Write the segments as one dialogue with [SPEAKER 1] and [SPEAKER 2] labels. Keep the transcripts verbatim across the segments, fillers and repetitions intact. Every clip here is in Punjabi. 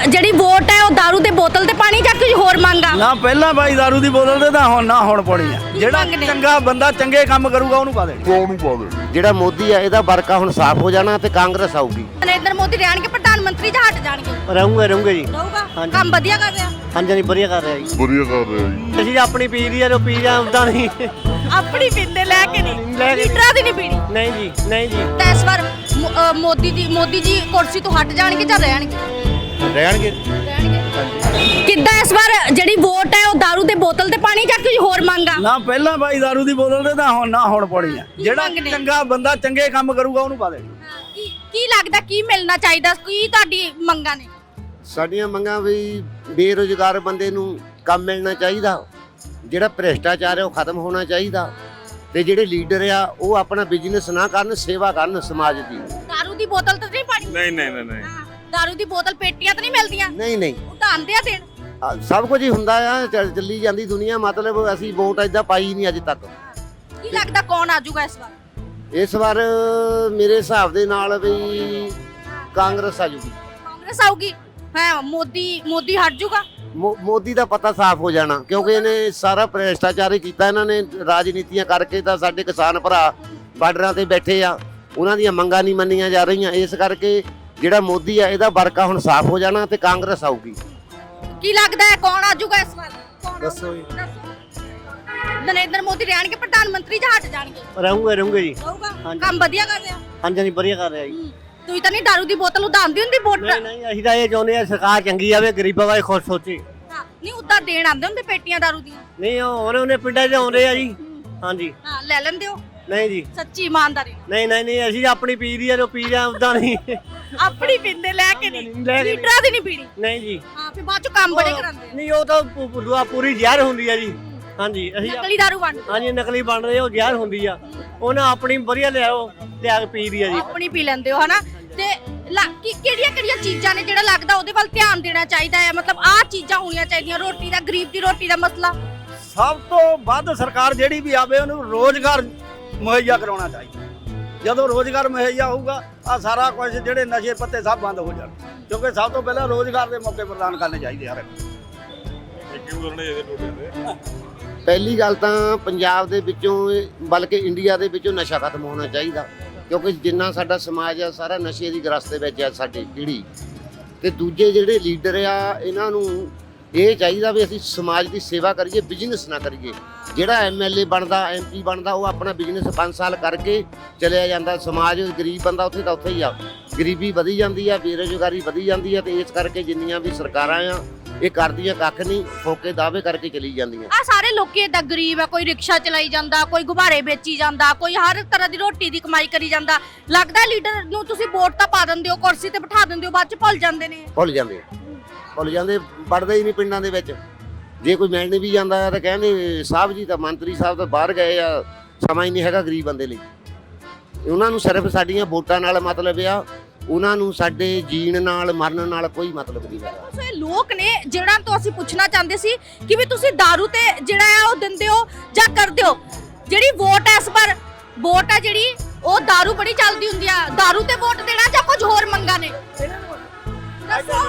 [SPEAKER 1] ਜਿਹੜੀ ਵੋਟ ਹੈ ਉਹ दारू ਦੇ ਬੋਤਲ ਤੇ ਪਾਣੀ ਜਾਂ ਕੁਝ ਹੋਰ ਮੰਗਾ
[SPEAKER 2] ਨਾ ਪਹਿਲਾਂ ਬਾਈ दारू ਦੀ ਬੋਤਲ ਤੇ ਤਾਂ ਹੁਣ ਨਾ ਹੁਣ ਪਾਉਣੀ ਆ। ਜਿਹੜਾ
[SPEAKER 1] ਮੰਗਦੇ?
[SPEAKER 2] ਚੰਗਾ ਬੰਦਾ ਚੰਗੇ ਕੰਮ ਕਰੂਗਾ ਉਹਨੂੰ ਪਾ ਦੇਣੀ।
[SPEAKER 3] ਉਹਨੂੰ ਪਾ ਦੇ।
[SPEAKER 4] ਜਿਹੜਾ ਮੋਦੀ ਆ ਇਹਦਾ ਵਰਕਾ ਹੁਣ ਸਾਫ਼ ਹੋ ਜਾਣਾ ਤੇ ਕਾਂਗਰਸ ਆਊਗੀ।
[SPEAKER 1] ਨਰਿੰਦਰ ਮੋਦੀ ਰਹਿਣਗੇ ਪ੍ਰਧਾਨ ਮੰਤਰੀ ਜਾਂ ਹਟ ਜਾਣਗੇ?
[SPEAKER 4] ਰਹੂੰਗੇ ਰਹੂੰਗੇ ਜੀ।
[SPEAKER 1] ਰਹੂਗਾ
[SPEAKER 4] ਹਾਂਜੀ।
[SPEAKER 1] ਕੰਮ ਵਧੀਆ ਕਰ ਰਿਹਾ
[SPEAKER 4] ਹਾਂਜੀ ਨਹੀਂ ਵਧੀਆ ਕਰ ਰਿਹਾ ਜੀ।
[SPEAKER 3] ਵਧੀਆ ਕਰ ਰਿਹਾ ਜੀ।
[SPEAKER 4] ਅਸੀਂ ਆਪਣੀ ਪੀ ਦੀ ਆ ਜੋ ਪੀ ਜਾਂ ਉਦਾਂ ਨਹੀਂ।
[SPEAKER 1] ਆਪਣੀ ਪਿੰਦੇ ਲੈ ਕੇ ਨਹੀਂ
[SPEAKER 4] ਲੈ ਕੇ
[SPEAKER 1] ਲੀਡਰਾਂ ਦੀ ਨਹੀਂ ਪੀਣੀ।
[SPEAKER 4] ਨਹੀਂ ਜੀ ਨਹੀਂ ਜੀ
[SPEAKER 1] ਤਾਂ ਇਸ ਵਾਰ ਮੋ- ਅ, ਮੋਦੀ ਜੀ ਮੋਦੀ ਜੀ ਕੁਰਸੀ ਤੋਂ ਹਟ ਜਾਣਗੇ ਜਾਂ ਰਹਿਣਗੇ?
[SPEAKER 4] ਰਹਿਣਗੇ।
[SPEAKER 1] ਰਹਿਣਗੇ। ਕਿੱਦਾਂ ਇਸ ਵਾਰ ਜਿਹੜੀ ਵੋਟ ਹੈ ਉਹ दारू ਦੇ ਬੋਤਲ ਤੇ ਪਾਣੀ ਜਾਂ ਕੁਝ ਹੋਰ ਮੰਗਾ?
[SPEAKER 2] ਨਾ ਪਹਿਲਾਂ ਬਾਈ दारू ਦੀ ਬੋਤਲ ਤੇ ਤਾਂ ਹੁਣ ਨਾ ਹੁਣ ਪਾਉਣੀ ਆ। ਜਿਹੜਾ
[SPEAKER 1] ਮੰਗਦੇ?
[SPEAKER 2] ਚੰਗਾ ਬੰਦਾ ਚੰਗੇ ਕੰਮ ਕਰੂਗਾ ਉਹਨੂੰ ਪਾ ਦੇਣੀ।
[SPEAKER 1] ਕੀ ਕੀ ਲੱਗਦਾ ਕੀ ਮਿਲਣਾ ਚਾਹੀਦਾ? ਕੀ ਤੁਹਾਡੀ ਮੰਗਾਂ ਨੇ?
[SPEAKER 4] ਸਾਡੀਆਂ ਮੰਗਾਂ ਵੀ ਬੇਰੁਜ਼ਗਾਰ ਬੰਦੇ ਨੂੰ ਕੰਮ ਮਿਲਣਾ ਚਾਹੀਦਾ, ਜਿਹੜਾ ਭ੍ਰਿਸ਼ਟਾਚਾਰ ਹੈ ਉਹ ਖਤਮ ਹੋਣਾ ਚਾਹੀਦਾ, ਤੇ ਜਿਹੜੇ ਲੀਡਰ ਆ ਉਹ ਆਪਣਾ ਬਿਜ਼ਨਸ ਨਾ ਕਰਨ, ਸੇਵਾ ਕਰਨ ਸਮਾਜ ਦੀ।
[SPEAKER 1] दारू ਦੀ ਬੋਤਲ ਤਾਂ ਨਹੀਂ ਪਾਣੀ?
[SPEAKER 3] ਨਹੀਂ ਨਹੀਂ ਨਹੀਂ ਨਹੀਂ
[SPEAKER 1] ਹਾਂ, दारू ਦੀ ਬੋਤਲ ਪੇਟੀਆਂ ਤਾਂ ਨਹੀਂ ਮਿਲਦੀਆਂ?
[SPEAKER 4] ਨਹੀਂ ਨਹੀਂ
[SPEAKER 1] ਉਡਾਉਂਦੇ ਆ ਦੇਣ।
[SPEAKER 4] ਆ, ਸਭ ਕੁਝ ਹੀ ਹੁੰਦਾ ਆ, ਚੱਲ- ਚੱਲੀ ਜਾਂਦੀ ਦੁਨੀਆ। ਮਤਲਬ ਅਸੀਂ ਵੋਟ ਏਦਾਂ ਪਾਈ ਨਹੀਂ ਅੱਜ ਤੱਕ।
[SPEAKER 1] ਕੀ ਲੱਗਦਾ ਕੌਣ ਆਜੂਗਾ ਇਸ ਵਾਰ?
[SPEAKER 4] ਇਸ ਵਾਰ ਮੇਰੇ ਹਿਸਾਬ ਦੇ ਨਾਲ ਵੀ ਕਾਂਗਰਸ ਆ ਜੂਗੀ।
[SPEAKER 1] ਕਾਂਗਰਸ ਆਊਗੀ? ਹਾਂ, ਮੋਦੀ ਮੋਦੀ ਹਟ ਜੂਗਾ?
[SPEAKER 4] ਮੋ- ਮੋਦੀ ਦਾ ਪਤਾ ਸਾਫ਼ ਹੋ ਜਾਣਾ, ਕਿਉਂਕਿ ਇਹਨੇ ਸਾਰਾ ਭ੍ਰਿਸ਼ਟਾਚਾਰ ਹੀ ਕੀਤਾ। ਇਹਨਾਂ ਨੇ ਰਾਜਨੀਤੀਆਂ ਕਰਕੇ ਤਾਂ ਸਾਡੇ ਕਿਸਾਨ ਭਰਾ ਬਾਰਡਰਾਂ ਤੇ ਬੈਠੇ ਆ, ਉਹਨਾਂ ਦੀਆਂ ਮੰਗਾਂ ਨਹੀਂ ਮੰਨੀਆਂ ਜਾ ਰਹੀਆਂ। ਇਸ ਕਰਕੇ ਜਿਹੜਾ ਮੋਦੀ ਆ ਇਹਦਾ ਵਰਕਾ ਹੁਣ ਸਾਫ਼ ਹੋ ਜਾਣਾ ਤੇ ਕਾਂਗਰਸ ਆਊਗੀ।
[SPEAKER 1] ਕੀ ਲੱਗਦਾ ਹੈ ਕੌਣ ਆਜੂਗਾ ਇਸ ਵਾਰ? ਕੌਣ
[SPEAKER 4] ਦੱਸੋ ਜੀ।
[SPEAKER 1] ਨਰਿੰਦਰ ਮੋਦੀ ਰਹਿਣਗੇ ਪ੍ਰਧਾਨ ਮੰਤਰੀ ਜਾਂ ਹਟ ਜਾਣਗੇ?
[SPEAKER 4] ਰਹੂੰਗੇ ਰਹੂੰਗੇ ਜੀ।
[SPEAKER 1] ਰਹੂਗਾ
[SPEAKER 4] ਹਾਂਜੀ।
[SPEAKER 1] ਕੰਮ ਵਧੀਆ ਕਰ ਰਿਹਾ?
[SPEAKER 4] ਹਾਂਜੀ ਹਾਂਜੀ ਵਧੀਆ ਕਰ ਰਿਹਾ ਜੀ।
[SPEAKER 1] ਹੂੰ। ਤੁਸੀਂ ਤਾਂ ਨਹੀਂ दारू ਦੀ ਬੋਤਲ ਉਡਾਉਂਦੀ ਹੁੰਦੀ ਵੋਟ?
[SPEAKER 4] ਨਹੀਂ ਨਹੀਂ ਅਸੀਂ ਤਾਂ ਇਹ ਚਾਹੁੰਦੇ ਆ ਸਰਕਾਰ ਚੰਗੀ ਆਵੇ, ਗਰੀਬਾਂ ਬਾਰੇ ਖੁਸ਼ ਸੋਚੇ।
[SPEAKER 1] ਹਾਂ, ਨਹੀਂ ਉਦਾਂ ਦੇਣ ਆਉਂਦੇ ਹੁੰਦੇ ਪੇਟੀਆਂ दारू ਦੀਆਂ?
[SPEAKER 4] ਨਹੀਂ ਉਹ ਉਹਨੇ ਉਹਨੇ ਪਿੰਡਾਂ 'ਚ ਆਉਂਦੇ ਆ ਜੀ। ਹਾਂਜੀ।
[SPEAKER 1] ਹਾਂ, ਲੈ ਲੈਂਦੇ ਹੋ
[SPEAKER 4] ਨਹੀਂ ਜੀ
[SPEAKER 1] ਸੱਚੀ ਇਮਾਨਦਾਰੀ ਨਾਲ?
[SPEAKER 4] ਨਹੀਂ ਨਹੀਂ ਨਹੀਂ ਅਸੀਂ ਆਪਣੀ ਪੀ ਦੀ ਆ ਜੋ ਪੀ ਜਾਂ ਉਦਾਂ ਨਹੀਂ।
[SPEAKER 1] ਆਪਣੀ ਪਿੰਦੇ ਲੈ ਕੇ ਨਹੀਂ
[SPEAKER 4] ਲੈ ਕੇ
[SPEAKER 1] ਲੀਡਰਾਂ ਦੀ ਨਹੀਂ ਪੀਣੀ?
[SPEAKER 4] ਨਹੀਂ ਜੀ
[SPEAKER 1] ਹਾਂ, ਫਿਰ ਬਾਅਦ ਚ ਕੰਮ ਬੜੇ ਕਰਾਉਂਦੇ ਆ।
[SPEAKER 4] ਨਹੀਂ ਉਹ ਤਾਂ ਪੂ- ਪੂ- ਦੁਆ ਪੂਰੀ ਜ਼ਹਿਰ ਹੁੰਦੀ ਆ ਜੀ। ਹਾਂਜੀ ਅਸੀਂ
[SPEAKER 1] ਨਕਲੀ दारू ਵੰਡ
[SPEAKER 4] ਹਾਂਜੀ ਨਕਲੀ ਬਣ ਰਹੇ ਉਹ ਜ਼ਹਿਰ ਹੁੰਦੀ ਆ, ਉਹਨਾਂ ਆਪਣੀ ਵਧੀਆ ਲਿਆਓ ਲਿਆ ਕੇ ਪੀ ਦੀ ਆ ਜੀ।
[SPEAKER 1] ਆਪਣੀ ਪੀ ਲੈਂਦੇ ਹੋ ਹਨਾ? ਤੇ ਕਿਹੜੀਆਂ ਕਿਹੜੀਆਂ ਚੀਜ਼ਾਂ ਨੇ ਜਿਹੜਾ ਲੱਗਦਾ ਉਹਦੇ ਵੱਲ ਧਿਆਨ ਦੇਣਾ ਚਾਹੀਦਾ ਹੈ? ਮਤਲਬ ਆਹ ਚੀਜ਼ਾਂ ਹੋਣੀਆਂ ਚਾਹੀਦੀਆਂ। ਰੋਟੀ ਦਾ, ਗਰੀਬ ਦੀ ਰੋਟੀ ਦਾ ਮਸਲਾ।
[SPEAKER 2] ਸਭ ਤੋਂ ਵੱਧ ਸਰਕਾਰ ਜਿਹੜੀ ਵੀ ਆਵੇ ਉਹਨੂੰ ਰੋਜ਼ਗਾਰ ਮੁਹੱਈਆ ਕਰਾਉਣਾ ਚਾਹੀਦਾ। ਜਦੋਂ ਰੋਜ਼ਗਾਰ ਮੁਹੱਈਆ ਹੋਊਗਾ ਆ ਸਾਰਾ ਕੁਝ ਜਿਹੜੇ ਨਸ਼ੇ ਪੱਤੇ ਸਭ ਬੰਦ ਹੋ ਜਾਣ, ਕਿਉਂਕਿ ਸਭ ਤੋਂ ਪਹਿਲਾਂ ਰੋਜ਼ਗਾਰ ਦੇ ਮੌਕੇ ਪ੍ਰਦਾਨ ਕਰਨੇ ਚਾਹੀਦੇ ਹਰ ਇੱਕ।
[SPEAKER 4] ਪਹਿਲੀ ਗੱਲ ਤਾਂ ਪੰਜਾਬ ਦੇ ਵਿੱਚੋਂ ਬਲਕਿ ਇੰਡੀਆ ਦੇ ਵਿੱਚੋਂ ਨਸ਼ਾ ਖਤਮ ਹੋਣਾ ਚਾਹੀਦਾ, ਕਿਉਂਕਿ ਜਿੰਨਾ ਸਾਡਾ ਸਮਾਜ ਆ ਸਾਰਾ ਨਸ਼ੇ ਦੀ ਗ੍ਰਸਤ ਦੇ ਵਿੱਚ ਆ ਸਾਡੀ ਪੀੜ੍ਹੀ। ਤੇ ਦੂਜੇ ਜਿਹੜੇ ਲੀਡਰ ਆ ਇਹਨਾਂ ਨੂੰ ਇਹ ਚਾਹੀਦਾ ਵੀ ਅਸੀਂ ਸਮਾਜ ਦੀ ਸੇਵਾ ਕਰੀਏ, ਬਿਜ਼ਨਸ ਨਾ ਕਰੀਏ। ਜਿਹੜਾ ਐਮਐਲਏ ਬਣਦਾ, ਐਮਪੀ ਬਣਦਾ, ਉਹ ਆਪਣਾ ਬਿਜ਼ਨਸ ਪੰਜ ਸਾਲ ਕਰਕੇ ਚਲਿਆ ਜਾਂਦਾ। ਸਮਾਜ ਗਰੀਬ ਬੰਦਾ ਉੱਥੇ ਤਾਂ ਉੱਥੇ ਹੀ ਆ, ਗਰੀਬੀ ਵਧੀ ਜਾਂਦੀ ਆ, ਬੇਰੁਜ਼ਗਾਰੀ ਵਧੀ ਜਾਂਦੀ ਆ। ਤੇ ਇਸ ਕਰਕੇ ਜਿੰਨੀਆਂ ਵੀ ਸਰਕਾਰਾਂ ਆ ਇਹ ਕਰਦੀਆਂ ਕੱਖ ਨਹੀਂ, ਫੋਕੇ ਦਾਅਵੇ ਕਰਕੇ ਚਲੀ ਜਾਂਦੀਆਂ।
[SPEAKER 1] ਆ ਸਾਰੇ ਲੋਕੀ ਏਦਾਂ ਗਰੀਬ ਆ, ਕੋਈ ਰਿਕਸ਼ਾ ਚਲਾਈ ਜਾਂਦਾ, ਕੋਈ ਗੁਬਾਰੇ ਵੇਚੀ ਜਾਂਦਾ, ਕੋਈ ਹਰ ਤਰ੍ਹਾਂ ਦੀ ਰੋਟੀ ਦੀ ਕਮਾਈ ਕਰੀ ਜਾਂਦਾ। ਲੱਗਦਾ ਲੀਡਰ ਨੂੰ ਤੁਸੀਂ ਵੋਟ ਤਾਂ ਪਾ ਦਿੰਦੇ ਹੋ, ਕੁਰਸੀ ਤੇ ਬਿਠਾ ਦਿੰਦੇ ਹੋ, ਬਾਅਦ ਚ ਭੁੱਲ ਜਾਂਦੇ ਨੇ।
[SPEAKER 4] ਭੁੱਲ ਜਾਂਦੇ ਭੁੱਲ ਜਾਂਦੇ ਵੜਦੇ ਹੀ ਨਹੀਂ ਪਿੰਡਾਂ ਦੇ ਵਿੱਚ। ਜੇ ਕੋਈ ਮਿਲਣ ਵੀ ਜਾਂਦਾ ਆ ਤਾਂ ਕਹਿੰਦੇ ਸਾਹਿਬ ਜੀ ਤਾਂ ਮੰਤਰੀ ਸਾਹਿਬ ਤਾਂ ਬਾਹਰ ਗਏ ਆ, ਸਮਾਂ ਹੀ ਨਹੀਂ ਹੈਗਾ ਗਰੀਬ ਬੰਦੇ ਲਈ। ਉਹਨਾਂ ਨੂੰ ਸਿਰਫ ਸਾਡੀਆਂ ਵੋਟਾਂ ਨਾਲ ਮਤਲਬ ਆ, ਉਹਨਾਂ ਨੂੰ ਸਾਡੇ ਜੀਣ ਨਾਲ ਮਰਨ ਨਾਲ ਕੋਈ ਮਤਲਬ ਨਹੀਂ ਹੈ।
[SPEAKER 1] ਸੋ ਇਹ ਲੋਕ ਨੇ ਜਿਹੜਾ ਤੋਂ ਅਸੀਂ ਪੁੱਛਣਾ ਚਾਹੁੰਦੇ ਸੀ ਕਿ ਵੀ ਤੁਸੀਂ दारू ਤੇ ਜਿਹੜਾ ਆ ਉਹ ਦਿੰਦੇ ਹੋ ਜਾਂ ਕਰਦੇ ਹੋ? ਜਿਹੜੀ ਵੋਟ ਹੈ ਇਸ ਪਰ ਵੋਟ ਹੈ ਜਿਹੜੀ ਉਹ दारू ਬੜੀ ਚੱਲਦੀ ਹੁੰਦੀ ਆ। दारू ਤੇ ਵੋਟ ਦੇਣਾ ਜਾਂ ਕੁਝ ਹੋਰ ਮੰਗਾਂ ਨੇ? ਦੱਸੋ।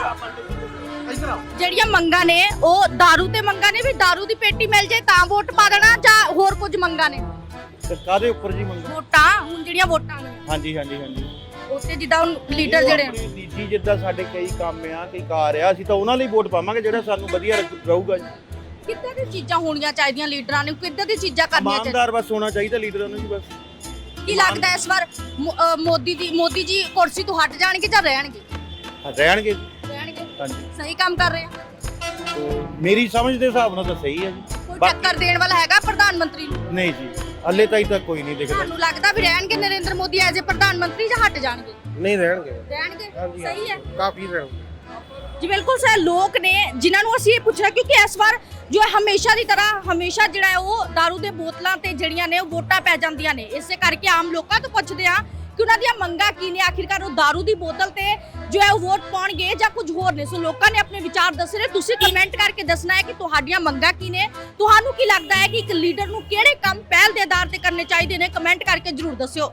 [SPEAKER 1] ਜਿਹੜੀਆਂ ਮੰਗਾਂ ਨੇ ਉਹ दारू ਤੇ ਮੰਗਾਂ ਨੇ ਵੀ दारू ਦੀ ਪੇਟੀ ਮਿਲ ਜਾਏ ਤਾਂ ਵੋਟ ਪਾ ਦੇਣਾ, ਜਾਂ ਹੋਰ ਕੁਝ ਮੰਗਾਂ ਨੇ?
[SPEAKER 3] ਕਾਦੇ ਉੱਪਰ ਜੀ ਮੰਗਾ?
[SPEAKER 1] ਵੋਟਾਂ ਹੁਣ ਜਿਹੜੀਆਂ ਵੋਟਾਂ ਨੇ
[SPEAKER 3] ਹਾਂਜੀ ਹਾਂਜੀ ਹਾਂਜੀ
[SPEAKER 1] ਉੱਤੇ ਜਿੱਦਾਂ ਹੁਣ ਲੀਡਰ ਜਿਹੜੇ
[SPEAKER 3] ਆਪਣੀ ਨਿੱਜੀ ਜਿੱਦਾਂ ਸਾਡੇ ਕਈ ਕੰਮ ਆ, ਕਈ ਕਾਰ ਆ, ਅਸੀਂ ਤਾਂ ਉਹਨਾਂ ਲਈ ਵੋਟ ਪਾਵਾਂਗੇ ਜਿਹੜਾ ਸਾਨੂੰ ਵਧੀਆ ਲੱਗ- ਰਹੂਗਾ ਜੀ।
[SPEAKER 1] ਕਿੱਦਾਂ ਦੀ ਚੀਜ਼ਾਂ ਹੋਣੀਆਂ ਚਾਹੀਦੀਆਂ ਲੀਡਰਾਂ ਨੂੰ? ਕਿੱਦਾਂ ਦੀ ਚੀਜ਼ਾਂ ਕਰਨੀਆਂ ਚਾਹੀਦੀਆਂ?
[SPEAKER 3] ਇਮਾਨਦਾਰ ਬਸ ਹੋਣਾ ਚਾਹੀਦਾ ਲੀਡਰਾਂ ਨੂੰ ਜੀ ਬਸ।
[SPEAKER 1] ਕੀ ਲੱਗਦਾ ਇਸ ਵਾਰ ਮੋ- ਅ, ਮੋਦੀ ਦੀ ਮੋਦੀ ਜੀ ਕੁਰਸੀ ਤੋਂ ਹਟ ਜਾਣਗੇ ਜਾਂ ਰਹਿਣਗੇ?
[SPEAKER 3] ਰਹਿਣਗੇ
[SPEAKER 1] ਰਹਿਣਗੇ।
[SPEAKER 3] ਹਾਂਜੀ।
[SPEAKER 1] ਸਹੀ ਕੰਮ ਕਰ ਰਹੇ ਆ?
[SPEAKER 3] ਤੇ ਮੇਰੀ ਸਮਝ ਦੇ ਹਿਸਾਬ ਨਾਲ ਤਾਂ ਸਹੀ ਹੈ ਜੀ।
[SPEAKER 1] ਕੋਈ
[SPEAKER 3] ਬਾ-
[SPEAKER 1] ਟੱਕਰ ਦੇਣ ਵਾਲਾ ਹੈਗਾ ਪ੍ਰਧਾਨ ਮੰਤਰੀ ਨੂੰ?
[SPEAKER 3] ਨਹੀਂ ਜੀ ਹੱਲੇ ਤਾਈਂ ਤਾਂ ਕੋਈ ਨਹੀਂ ਦਿਖਦਾ।
[SPEAKER 1] ਤੁਹਾਨੂੰ ਲੱਗਦਾ ਵੀ ਰਹਿਣਗੇ ਨਰਿੰਦਰ ਮੋਦੀ ਐਜ਼ ਏ ਪ੍ਰਧਾਨ ਮੰਤਰੀ ਜਾਂ ਹਟ ਜਾਣਗੇ?
[SPEAKER 3] ਨਹੀਂ ਰਹਿਣਗੇ।
[SPEAKER 1] ਰਹਿਣਗੇ।
[SPEAKER 3] ਹਾਂਜੀ,
[SPEAKER 1] ਸਹੀ ਹੈ
[SPEAKER 3] ਕਾਫੀ ਰਹਿਣਗੇ
[SPEAKER 1] ਜੀ। ਬਿਲਕੁਲ ਸਹੀ ਲੋਕ ਨੇ ਜਿਨ੍ਹਾਂ ਨੂੰ ਅਸੀਂ ਇਹ ਪੁੱਛਣਾ, ਕਿਉਂਕਿ ਇਸ ਵਾਰ ਜੋ ਹੈ ਹਮੇਸ਼ਾ ਦੀ ਤਰ੍ਹਾਂ ਹਮੇਸ਼ਾ ਜਿਹੜਾ ਹੈ ਉਹ दारू ਦੇ ਬੋਤਲਾਂ ਤੇ ਜਿਹੜੀਆਂ ਨੇ ਉਹ ਵੋਟਾਂ ਪੈ ਜਾਂਦੀਆਂ ਨੇ। ਇਸੇ ਕਰਕੇ ਆਮ ਲੋਕਾਂ ਤੋਂ ਪੁੱਛਦੇ ਆ ਕਿ ਉਹਨਾਂ ਦੀਆਂ ਮੰਗਾਂ ਕੀ ਨੇ, ਆਖਿਰਕਾਰ ਉਹ दारू ਦੀ ਬੋਤਲ ਤੇ ਜੋ ਹੈ ਉਹ ਵੋਟ ਪਾਉਣਗੇ ਜਾਂ ਕੁਝ ਹੋਰ ਨੇ। ਸੋ ਲੋਕਾਂ ਨੇ ਆਪਣੇ ਵਿਚਾਰ ਦੱਸੇ ਨੇ, ਤੁਸੀਂ ਕਮੈਂਟ ਕਰਕੇ ਦੱਸਣਾ ਹੈ ਕਿ ਤੁਹਾਡੀਆਂ ਮੰਗਾਂ ਕੀ ਨੇ। ਤੁਹਾਨੂੰ ਕੀ ਲੱਗਦਾ ਹੈ ਕਿ ਇੱਕ ਲੀਡਰ ਨੂੰ ਕਿਹੜੇ ਕੰਮ ਪਹਿਲ ਦੇ ਆਧਾਰ ਤੇ ਕਰਨੇ ਚਾਹੀਦੇ ਨੇ? ਕਮੈਂਟ ਕਰਕੇ ਜ਼ਰੂਰ ਦੱਸਿਓ।